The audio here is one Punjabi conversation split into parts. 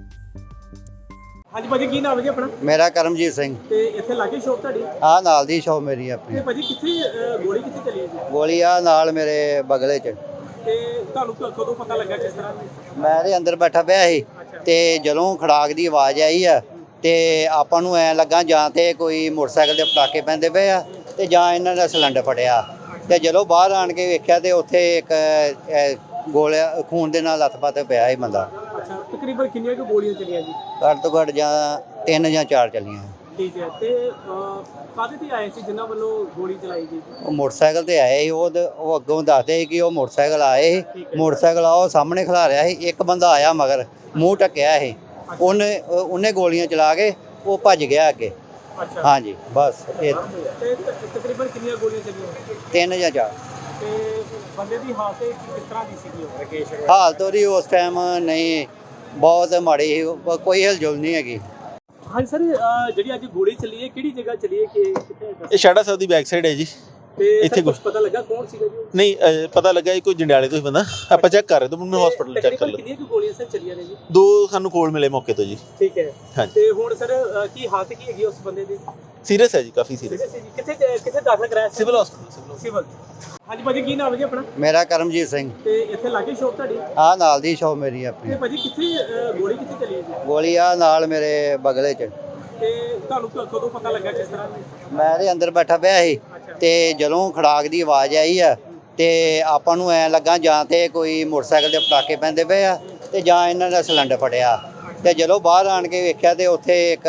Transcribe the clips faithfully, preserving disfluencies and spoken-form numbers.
ਹਾਂਜੀ ਭਾਜੀ, ਕੀ ਨਾਮ ਹੈ ਜੀ ਆਪਣਾ? ਮੇਰਾ ਕਰਮਜੀਤ ਸਿੰਘ। ਤੇ ਇੱਥੇ ਲਾਗੇ ਸ਼ੌਪ ਤੁਹਾਡੀ? ਆ ਨਾਲ ਦੀ ਸ਼ੌਪ ਮੇਰੀ ਆਪਣੀ। ਤੇ ਭਾਜੀ ਕਿੱਥੇ ਅਹ, ਗੋਲੀ ਕਿੱਥੇ ਚੱਲੀ ਹੈ ਜੀ? ਗੋਲੀ ਆ ਨਾਲ ਮੇਰੇ ਬਗਲੇ 'ਚ। ਤੇ ਤੁਹਾਨੂੰ ਕ- ਕਦੋਂ ਪਤਾ ਲੱਗਾ ਕਿਸ ਤਰ੍ਹਾਂ? ਮੈਂ ਦੇ ਅੰਦਰ ਬੈਠਾ ਪਿਆ ਸੀ ਤੇ ਜਦੋਂ ਖੜਾਕ ਦੀ ਆਵਾਜ਼ ਆਈ ਆ ਤੇ ਆਪਾਂ ਨੂੰ ਐ ਲੱਗਾ ਜਾਂ ਤੇ ਕੋਈ ਮੋਟਰਸਾਈਕਲ ਦੇ ਪਟਾਕੇ ਪੈਂਦੇ ਪਏ ਆ ਤੇ ਜਾਂ ਇਹਨਾਂ ਦਾ ਸਿਲੰਡਰ ਫਟਿਆ। ਤੇ ਜਦੋਂ ਬਾਹਰ ਆਣ ਕੇ ਵੇਖਿਆ ਤੇ ਉੱਥੇ ਇੱਕ ਅਹ, ਗੋਲਿਆ ਖੂਨ ਦੇ ਨਾਲ ਲੱਥ-ਪੱਥ ਪਿਆ ਸੀ ਬੰਦਾ। ਅੱਛਾ, ਤਕਰੀਬਨ ਕਿੰਨੀਆਂ ਕੁ ਗੋਲੀਆਂ ਚੱਲੀਆਂ ਜੀ? ਘੱਟ ਤੋਂ ਘੱਟ ਜਾਂ ਤਿੰਨ ਜਾਂ ਚਾਰ ਚੱਲੀਆਂ। ਠੀਕ ਹੈ। ਤੇ ਅਹ, ਕਾਹਦੇ ਤੇ ਆਏ ਸੀ ਜਿਨ੍ਹਾਂ ਵੱਲੋਂ ਗੋਲੀ ਚਲਾਈ ਗਈ? ਉਹ ਮੋਟਰਸਾਈਕਲ ਤੇ ਆਏ ਸੀ। ਉਹ ਦ- ਉਹ ਅੱਗੋਂ ਦੱਸਦੇ ਸੀ ਕਿ ਉਹ ਮੋਟਰਸਾਈਕਲ ਆਏ ਸੀ। ਠੀਕ ਹੈ। ਮੋਟਰਸਾਈਕਲ ਆ ਉਹ ਸਾਹਮਣੇ ਖਲਾ ਰਿਹਾ ਸੀ। ਇੱਕ ਬੰਦਾ ਆਇਆ ਮਗਰ ਮੂੰਹ ਢੱਕਿਆ ਸੀ। ਉਹਨੇ ਉਹ- ਉਹਨੇ ਗੋਲੀਆਂ ਚਲਾ ਕੇ ਉਹ ਭੱਜ ਗਿਆ ਅੱਗੇ। ਅੱਛਾ। ਹਾਂਜੀ ਬਸ ਇਹ ਤੇ ਤ- ਤਕਰੀਬਨ ਕਿੰਨੀਆਂ ਗੋਲੀਆਂ ਚੱਲੀਆਂ? ਤਿੰਨ ਜਾਂ ਚਾਰ। ਤੇ ਬੰਦੇ ਦੀ ਹਾਲਤ ਕਿਸ ਤਰ੍ਹਾਂ ਦੀ ਸੀਗੀ? ਉਹ ਰਕੇਸ਼ ਹਾਲਤ ਉਹਦੀ ਉਸ ਟਾਈਮ ਨਹੀਂ ਬਹੁਤ ਮਾੜੀ ਸੀ। ਉਹ- ਕੋਈ ਹਿਲਜੁਲ ਨਹੀਂ ਹੈਗੀ। ਹਾਂਜੀ ਸਰ, ਅਹ, ਜਿਹੜੀ ਅੱਜ ਗੋਲੀ ਚੱਲੀ ਹੈ ਕਿਹੜੀ ਜਗ੍ਹਾ ਚੱਲੀ ਹੈ, ਕਿ ਕਿੱਥੇ ਹੈ? ਇਹ ਸ਼ਾੜਾ ਸਾਹਿਬ ਦੀ ਬੈਕ ਸਾਈਡ ਹੈ ਜੀ। ਤੇ ਇੱਥੇ ਸਰ ਕੁਝ ਕੁਛ- ਪਤਾ ਲੱਗਾ ਕੌਣ ਸੀਗਾ ਜੀ ਉਹ? ਨਹੀਂ ਅਹ, ਪਤਾ ਲੱਗਾ ਇਹ ਕੋਈ ਜੰਡਿਆਲੇ ਤੋਂ ਹੀ ਬੰਦਾ। ਆਪਾਂ ਚੈੱਕ ਕਰ ਰਹੇ ਤਾਂ ਮੈਨੂੰ ਹਸਪੀਟਲ ਚੈੱਕ ਕਰ ਤਕਰੀਬਨ ਲਓ। ਕਿੰਨੀਆਂ ਕੁ ਗੋਲੀਆਂ ਸਰ ਚੱਲੀਆਂ ਨੇ ਜੀ? ਦੋ ਸਾਨੂੰ ਕੋਲ ਮਿਲੇ ਮੌਕੇ ਤੋਂ ਜੀ। ਠੀਕ ਹੈ। ਹਾਂਜੀ। ਤੇ ਹੁਣ ਸਰ ਅਹ, ਕੀ ਹਾਲਤ ਕੀ ਹੈਗੀ ਉਸ ਬੰਦੇ ਦੀ? ਸੀਰੀਅਸ ਹੈ ਜੀ, ਕਾਫੀ ਸੀਰੀਅਸ। ਸੀਰੀਅਸ ਹੈ ਜੀ। ਕਿੱਥੇ ਕਿੱਥੇ ਦਾਖਲ ਕਰਾਇਆ ਸੀ? Civil hospital. ਸਿਵਲ। ਹਾਂਜੀ ਭਾਜੀ, ਕੀ ਨਾਮ ਹੈ ਜੀ ਆਪਣਾ? ਮੇਰਾ ਕਰਮਜੀਤ ਸਿੰਘ। ਤੇ ਇੱਥੇ ਲਾਗੇ ਸ਼ੌਪ ਤੁਹਾਡੀ? ਆ ਨਾਲ ਦੀ ਸ਼ੌਪ ਮੇਰੀ ਆਪਣੀ। ਤੇ ਭਾਜੀ ਕਿੱਥੇ ਅਹ, ਗੋਲੀ ਕਿੱਥੇ ਚੱਲੀ ਹੈ ਜੀ? ਗੋਲੀ ਆ ਨਾਲ ਮੇਰੇ ਬਗਲੇ 'ਚ। ਤੇ ਤੁਹਾਨੂੰ ਕ- ਕਦੋਂ ਪਤਾ ਲੱਗਾ ਕਿਸ ਤਰ੍ਹਾਂ? ਮੈਂ ਦੇ ਅੰਦਰ ਬੈਠਾ ਪਿਆ ਸੀ ਤੇ ਜਦੋਂ ਖੜਾਕ ਦੀ ਆਵਾਜ਼ ਆਈ ਆ ਤੇ ਆਪਾਂ ਨੂੰ ਐ ਲੱਗਾ ਜਾਂ ਤੇ ਕੋਈ ਮੋਟਰਸਾਈਕਲ ਦੇ ਪਟਾਕੇ ਪੈਂਦੇ ਪਏ ਆ ਤੇ ਜਾਂ ਇਹਨਾਂ ਦਾ ਸਿਲੰਡਰ ਫਟਿਆ। ਤੇ ਜਦੋਂ ਬਾਹਰ ਆਣ ਕੇ ਵੇਖਿਆ ਤੇ ਉੱਥੇ ਇੱਕ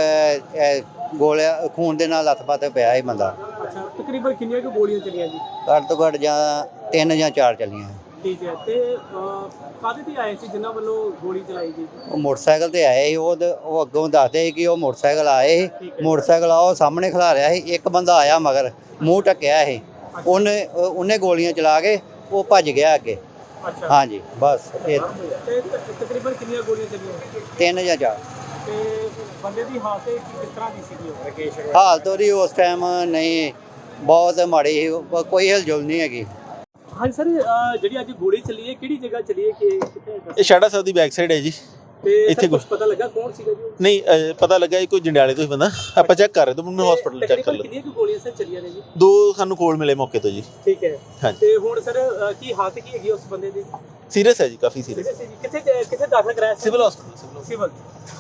ਅਹ, ਗੋਲਿਆ ਖੂਨ ਦੇ ਨਾਲ ਲੱਥ-ਪੱਥ ਪਿਆ ਸੀ ਬੰਦਾ। ਅੱਛਾ, ਤਕਰੀਬਨ ਕਿੰਨੀਆਂ ਕੁ ਗੋਲੀਆਂ ਚੱਲੀਆਂ ਜੀ? ਘੱਟ ਤੋਂ ਘੱਟ ਜਾਂ ਤਿੰਨ ਜਾਂ ਚਾਰ ਚੱਲੀਆਂ। ਠੀਕ ਹੈ। ਤੇ ਅਹ, ਕਾਹਦੇ ਤੇ ਆਏ ਸੀ ਜਿਨ੍ਹਾਂ ਵੱਲੋਂ ਗੋਲੀ ਚਲਾਈ ਗਈ? ਉਹ ਮੋਟਰਸਾਈਕਲ ਤੇ ਆਏ ਸੀ। ਉਹ ਦ- ਉਹ ਅੱਗੋਂ ਦੱਸਦੇ ਸੀ ਕਿ ਉਹ ਮੋਟਰਸਾਈਕਲ ਆਏ ਸੀ। ਮੋਟਰਸਾਈਕਲ ਆ ਉਹ ਸਾਹਮਣੇ ਖਲਾ ਰਿਹਾ ਸੀ। ਇੱਕ ਬੰਦਾ ਆਇਆ ਮਗਰ ਮੂੰਹ ਢੱਕਿਆ ਸੀ। ਉਹਨੇ ਉਹ- ਉਹਨੇ ਗੋਲੀਆਂ ਚਲਾ ਕੇ ਉਹ ਭੱਜ ਗਿਆ ਅੱਗੇ। ਅੱਛਾ। ਹਾਂਜੀ ਬਸ ਇਹ ਤੇ ਤ- ਤਕਰੀਬਨ ਕਿੰਨੀਆਂ ਗੋਲੀਆਂ ਚੱਲੀਆਂ? ਤਿੰਨ ਜਾਂ ਚਾਰ। ਤੇ ਬੰਦੇ ਦੀ ਹਾਲਤ ਕਿਸ ਤਰ੍ਹਾਂ ਦੀ ਸੀਗੀ ਉਹ? ਰਕੇਸ਼ ਹਾਲਤ ਉਹਦੀ ਉਸ ਟਾਈਮ ਨਹੀਂ ਬਹੁਤ ਮਾੜੀ ਸੀ। ਉਹ- ਕੋਈ ਹਿਲਜੁਲ ਨਹੀਂ ਹੈਗੀ। ਹਾਂਜੀ ਸਰ, ਅਹ, ਜਿਹੜੀ ਅੱਜ ਗੋਲੀ ਚੱਲੀ ਹੈ ਕਿਹੜੀ ਜਗ੍ਹਾ ਚੱਲੀ ਹੈ, ਕਿ ਕਿੱਥੇ ਹੈ? ਇਹ ਸ਼ਾੜਾ ਸਾਹਿਬ ਦੀ ਬੈਕ ਸਾਈਡ ਹੈ ਜੀ। ਤੇ ਇੱਥੇ ਇੱਥੇ ਕੁਝ ਕੁਛ- ਪਤਾ ਲੱਗਾ ਕੌਣ ਸੀਗਾ ਜੀ ਉਹ? ਨਹੀਂ ਅਹ, ਪਤਾ ਲੱਗਾ ਇਹ ਕੋਈ ਜੰਡਿਆਲੇ ਤੋਂ ਹੀ ਬੰਦਾ। ਆਪਾਂ ਚੈੱਕ ਕਰ ਰਹੇ ਤਾਂ ਮੈਨੂੰ ਹਸਪੀਟਲ ਚੈੱਕ ਕਰ ਤਕਰੀਬਨ ਲਓ। ਕਿੰਨੀਆਂ ਕੁ ਗੋਲੀਆਂ ਸਰ ਚੱਲੀਆਂ ਨੇ ਜੀ? ਦੋ ਸਾਨੂੰ ਕੋਲ ਮਿਲੇ ਮੌਕੇ ਤੋਂ ਜੀ। ਠੀਕ ਹੈ। ਹਾਂਜੀ। ਤੇ ਹੁਣ ਸਰ ਅਹ, ਕੀ ਹਾਲਤ ਕੀ ਹੈਗੀ ਉਸ ਬੰਦੇ ਦੀ? ਸੀਰੀਅਸ ਹੈ ਜੀ, ਕਾਫੀ ਸੀਰੀਅਸ। ਸੀਰੀਅਸ ਹੈ ਜੀ। ਕਿੱਥੇ ਕਿੱਥੇ ਦਾਖਲ ਕਰਾਇਆ ਸੀ? Civil hospital. ਸਿਵਲ।